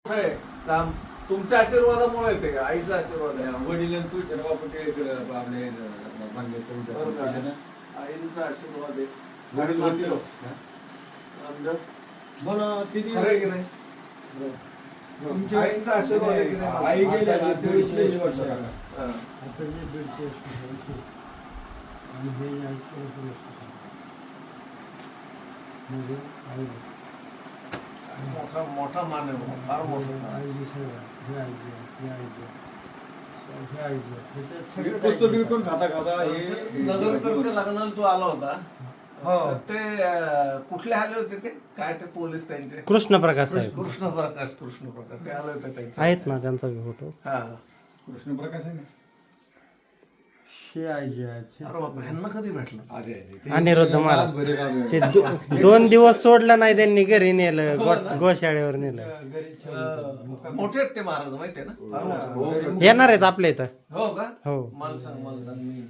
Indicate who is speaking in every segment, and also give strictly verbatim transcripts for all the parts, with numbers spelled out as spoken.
Speaker 1: काम तुमच्या आशीर्वादामुळे येते का? आईचा आशीर्वाद आहे.
Speaker 2: वडील तू शर्मा पटेल आपले
Speaker 1: आईचा आशीर्वाद आहे.
Speaker 2: वडील
Speaker 1: नामदेव.
Speaker 2: हा?
Speaker 1: नामदेव.
Speaker 2: मला किती
Speaker 1: खरं आहे की नाही?
Speaker 2: तुमच्या
Speaker 1: आईचा आशीर्वाद आहे की नाही?
Speaker 2: आई गेल्या ना तेवीस वर्ष झाला.
Speaker 1: हा.
Speaker 3: आता जे दीडशे वर्ष आणि हे ऐंशी वर्ष म्हणजे आई
Speaker 1: मोठा मोठा मान आहे, फार मोठा.
Speaker 3: आईची सेवा हे आईची हे आईची हे आईची त्याच्यात
Speaker 2: हे
Speaker 3: सगळं
Speaker 2: पुस्तक विकून खाता खाता हे
Speaker 1: नगरकरच्या लग्नाला तू आला होता.
Speaker 3: हो.
Speaker 1: तर ते अं, कुठले आले होते ते काय ते पोलीस त्यांचे
Speaker 4: कृष्ण प्रकाश साहेब
Speaker 1: कृष्ण प्रकाश कृष्ण प्रकाश ते आले होते त्यांचे.
Speaker 4: आहेत ना त्यांचा फोटो.
Speaker 1: हा.
Speaker 2: कृष्ण प्रकाश आहे ना
Speaker 3: हे आईची आहे
Speaker 1: अरे बापरे, ह्यांना कधी भेटलं?
Speaker 2: आधी आहे.
Speaker 4: अनिरुद्ध महाराज.
Speaker 2: बरे गाव आहे.
Speaker 4: ते दो- दोन दिवस सोडलं नाही त्यांनी, घरी नेलं गो- गोशाळेवर नेलं.
Speaker 1: अं, मोठे आहेत ते महाराज माहितीये ना?
Speaker 2: हो.
Speaker 4: येणार आहेत आपल्या इथं.
Speaker 1: हो का?
Speaker 4: हो.
Speaker 1: मला सांग मला सांग मी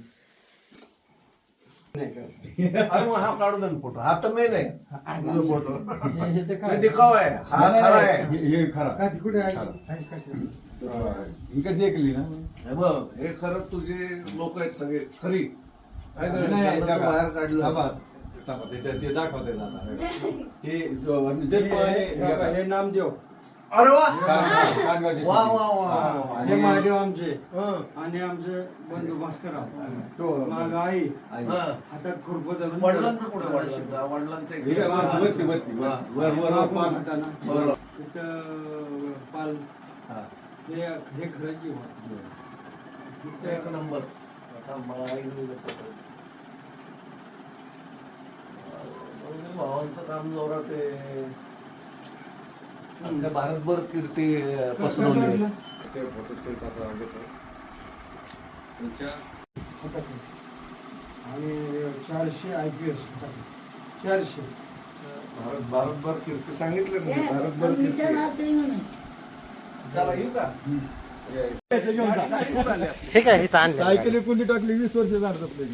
Speaker 1: अरे मग हा काढू दे ना फोटो. हा तर मेन आहे फोटो.
Speaker 3: हे तर
Speaker 1: हे
Speaker 3: काय
Speaker 1: दिखावा आहे. हा
Speaker 2: नाही,
Speaker 1: खरा
Speaker 2: नाही,
Speaker 1: आहे.
Speaker 2: हे- हे खरा
Speaker 3: का कुठे आहे आहे का ते?
Speaker 2: इकडे देखली ना
Speaker 1: हे बघ, हे खरं तुझे लोक आहेत सगळे खरी. काय
Speaker 2: नाही,
Speaker 1: करायचं? त्यांना
Speaker 2: दाखवा.
Speaker 1: तू बाहेर काढलं.
Speaker 2: दाखवा. दाखवा. ते- ते दाखवते जाणार. ते जन्म आहे,
Speaker 3: हे-
Speaker 2: हे
Speaker 3: हे- हे नामदेव
Speaker 1: अरे वा
Speaker 2: कान- कानगावचे
Speaker 1: वा
Speaker 2: शिंदे.
Speaker 1: वा वा
Speaker 2: हा,
Speaker 3: हे
Speaker 2: आणि-
Speaker 3: महादेव आमचे
Speaker 1: हं.
Speaker 3: आणि आमचे बंधू भास्करराव
Speaker 2: तो
Speaker 3: माग आई
Speaker 2: आई.
Speaker 1: हं.
Speaker 3: हातात खुरप धरून
Speaker 1: वडिलांचं कुठे वडिलांचा वडिलांचं
Speaker 2: हे
Speaker 1: इकडे.
Speaker 2: बघा, वरती वरती
Speaker 1: हा.
Speaker 2: वर वर वर पान.
Speaker 3: हाताना
Speaker 1: बरोबर.
Speaker 3: तिथं पाल
Speaker 2: हा.
Speaker 3: हे हे खरं जीवन
Speaker 1: एक नंबर. आता मला आई नाही देत होतं. अं, भावांचं काम जोरात आहे. अख्ख्या भारतभर कीर्ती अं, पसरवली आहे.
Speaker 2: ते फोटो सहित असं घेतो. त्यांच्या
Speaker 3: आणि चारशे आय पी एस चारशे
Speaker 1: भारत भारतभर कीर्ती सांगितलं ना, भारतभर कीर्ती. चला येऊ का?
Speaker 4: हे काय इथं आणलं
Speaker 2: सायकली कोणी टाकली वीस वर्ष झालं आपल्याला.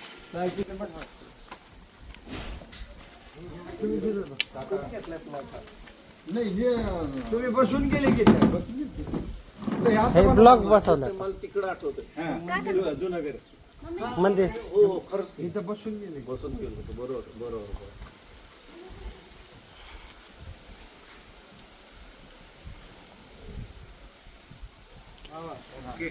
Speaker 2: नाही हे
Speaker 3: तुम्ही बसून गेले की ते?
Speaker 2: बसून घेतली. नाही, आता
Speaker 4: हे
Speaker 2: मला-
Speaker 4: ब्लॉक बसवलं
Speaker 1: मला तिकडं आठवतं.
Speaker 2: हा, जुनं- जुनं घर.
Speaker 4: म्हणजे
Speaker 1: हो हो, खरंच की.
Speaker 3: इथं बसून गेले
Speaker 1: बसून गेलो होतो. बरोबर बरोबर बरोबर. ओके.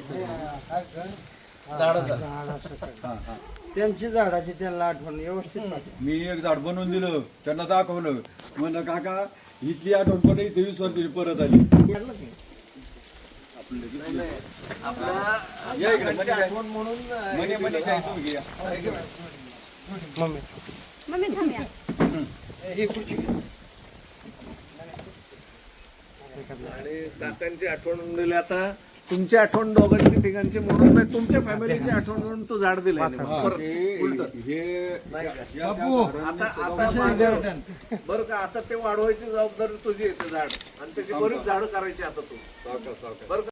Speaker 1: झाडाचा.
Speaker 2: हा, हा.
Speaker 3: त्यांची झाडाची त्यांना आठवण व्यवस्थित पाहिजे.
Speaker 2: मी एक झाड बनवून दिलं त्यांना दाखवलं म्हणलं काका इथली आठवण पण इथे वीस वर्षाची परत आली.
Speaker 1: नाही, नाही. आपल्या
Speaker 2: या इकडे,
Speaker 1: काकांची
Speaker 2: मनी
Speaker 1: आठवण म्हणून अं,
Speaker 2: मने
Speaker 1: हे
Speaker 2: मने
Speaker 1: दिलं.
Speaker 2: काय तू घ्या.
Speaker 1: आहे की नाही?
Speaker 4: मम्मी
Speaker 5: मम्मी थांबया.
Speaker 1: आणि काकांची आठवण म्हणून दिली. आता तुमची आठवण दोघांची तिघांची म्हणून नाही, तुमच्या फॅमिलीची आठवण म्हणून तू झाड दिलं
Speaker 2: हा,
Speaker 1: परत
Speaker 2: ते-
Speaker 1: उलटं.
Speaker 2: हे
Speaker 1: नाही का?
Speaker 2: या- या
Speaker 3: बापू,
Speaker 2: झाडांनी
Speaker 1: आता
Speaker 2: सगळं-
Speaker 1: आता मागं- बरं का, आता ते वाढवायची जबाबदारी तुझी येते झाड, आणि त्याची बरीच झाडं करायची आता तू.
Speaker 2: सावकाश, सावकाश.
Speaker 1: बरं का?